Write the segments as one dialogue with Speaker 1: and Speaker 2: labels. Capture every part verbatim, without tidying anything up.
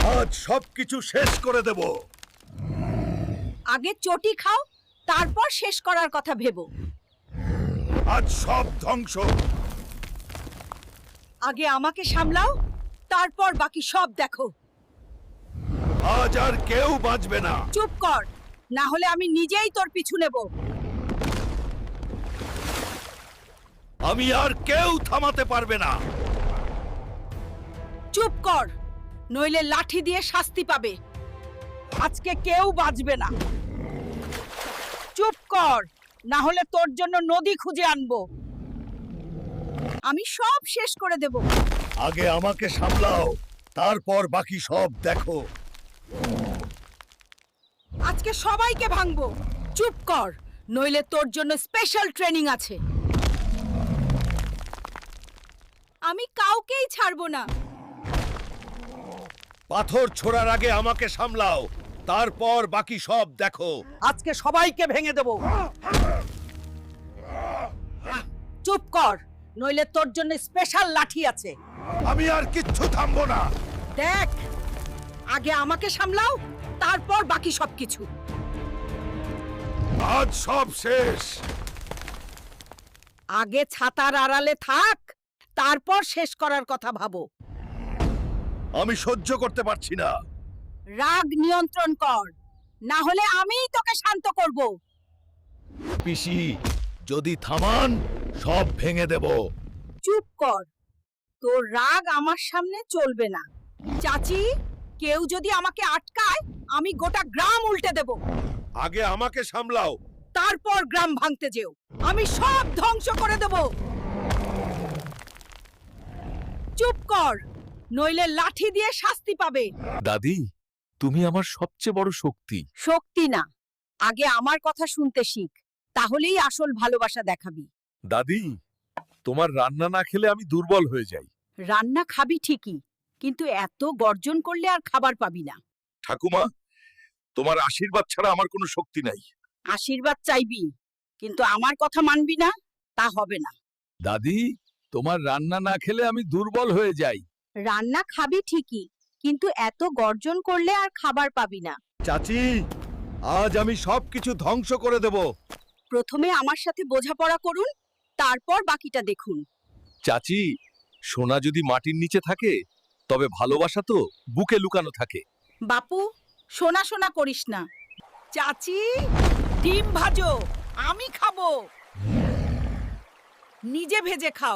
Speaker 1: আজ সবকিছু শেষ করে দেব।
Speaker 2: আগে চটি খাও, তারপর শেষ করার কথা ভেবো।
Speaker 1: আজ সব ধ্বংস।
Speaker 2: আগে আমাকে সামলাও, তারপর বাকি সব দেখো।
Speaker 1: আজ আর কেউ বাঁচবে না।
Speaker 2: চুপ কর, না হলে আমি নিজেই তোর পিছু নেব।
Speaker 1: আমি আর কেউ থামাতে পারবে না।
Speaker 2: চুপ কর, নইলে লাঠি দিয়ে শাস্তি পাবে। আজকে কেউ বাঁচবে না। চুপ কর, না হলে তোর জন্য নদী খুঁজে আনবো। আমি সব শেষ করে দেব।
Speaker 1: আগে আমাকে সামলাও, তারপর বাকি সব দেখো।
Speaker 2: আজকে সবাইকে ভাঙবো। চুপ কর, নইলে তোর জন্য স্পেশাল ট্রেনিং আছে। আমি কাউকেই ছাড়বো না।
Speaker 1: পাথর ছোড়ার আগে আমাকে সামলাও, তারপর বাকি সব দেখো।
Speaker 2: আজকে সবাইকে ভেঙে দেব। চুপ কর, নইলে তোর জন্য স্পেশাল লাঠি আছে।
Speaker 1: আমি আর কিচ্ছু থামবো না।
Speaker 2: দেখ, আগে আমাকে সামলাও, তারপর বাকি সবকিছু।
Speaker 1: আজ সব শেষ।
Speaker 2: আগে ছাতার আড়ালে থাক, তারপর শেষ করার কথা ভাবো।
Speaker 1: আমি সহ্য করতে পারছি না।
Speaker 2: রাগ নিয়ন্ত্রণ কর, না হলে আমিই তোকে শান্ত করব।
Speaker 1: পিসি, যদি থামান সব ভেঙে দেব।
Speaker 2: চুপ কর, তোর রাগ আমার সামনে চলবে না। চাচি, কেউ যদি আমাকে আটকায়, আমি গোটা গ্রাম উল্টে দেব।
Speaker 1: আগে আমাকে সামলাও।
Speaker 2: তারপর গ্রাম ভাঙতে যেও। আমি সব ধ্বংস করে দেব। চুপ কর, নইলে লাঠি দিয়ে শাস্তি পাবে।
Speaker 3: দাদি, তুমি আমার সবচেয়ে বড় শক্তি।
Speaker 2: শক্তি না, আগে আমার কথা শুনতে শিখ, তাহলেই আসল ভালোবাসা দেখাবি।
Speaker 3: দাদি, তোমার রান্না না খেলে আমি দুর্বল হয়ে যাই।
Speaker 2: রান্না খাবি ঠিকই, কিন্তু এত গর্জন করলে আর খাবার পাবি না।
Speaker 3: ঠাকুমা, তোমার আশীর্বাদ ছাড়া আমার কোনো শক্তি নাই।
Speaker 2: আশীর্বাদ চাইবি, কিন্তু আমার কথা মানবি না, তা হবে না।
Speaker 3: দাদি, তোমার রান্না না খেলে আমি দুর্বল হয়ে যাই।
Speaker 2: রান্না খাবি ঠিকই, কিন্তু এত গর্জন করলে আর খাবার পাবি না।
Speaker 1: চাচি, আজ আমি সবকিছু ধ্বংস করে দেব।
Speaker 2: প্রথমে আমার সাথে বোঝাপড়া করুন, তারপর বাকিটা দেখুন।
Speaker 3: চাচি, সোনা যদি মাটির নিচে থাকে, তবে ভালোবাসা তো বুকে লুকানো থাকে।
Speaker 2: বাপু, সোনা সোনা করিস না। চাচি, ডিম ভাজো, আমি খাবো। নিজে ভেজে খাও।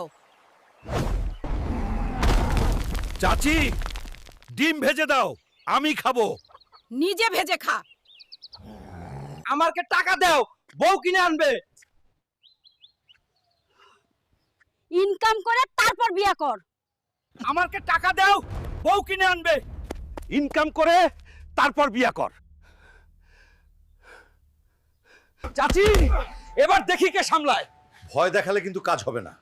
Speaker 1: চাচি, ডিম ভেজে দাও, আমি খাবো।
Speaker 2: নিজে ভেজে খা।
Speaker 4: আমাকে টাকা দাও, বউ কিনে আনবে।
Speaker 2: ইনকাম করে তারপর বিয়া কর।
Speaker 4: আমাকে টাকা দাও, বউ কিনে আনবে।
Speaker 1: ইনকাম করে তারপর বিয়া কর।
Speaker 4: চাচি, এবার দেখি কে সামলায়।
Speaker 1: ভয় দেখালে কিন্তু কাজ হবে না।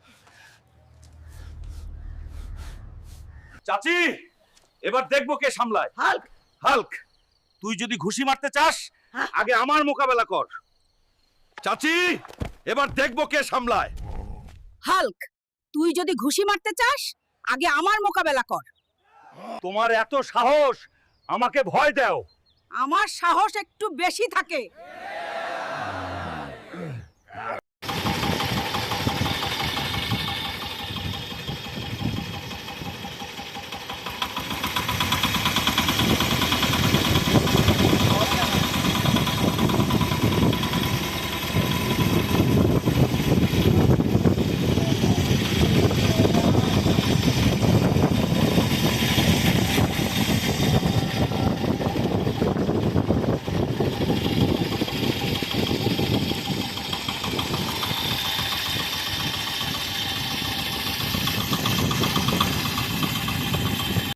Speaker 4: চাচি, এবার দেখবো কে সামলায়।
Speaker 2: হাল্ক,
Speaker 1: হাল্ক, তুই যদি ঘুষি মারতে চাস, আগে আমার মোকাবেলা কর। চাচি, এবার দেখবো কে সামলায়।
Speaker 2: হাল্ক, তুই যদি ঘুষি মারতে চাস, আগে আমার মোকাবেলা কর।
Speaker 1: তোমার এত সাহস, আমাকে ভয় দাও।
Speaker 2: আমার সাহস একটু বেশি থাকে।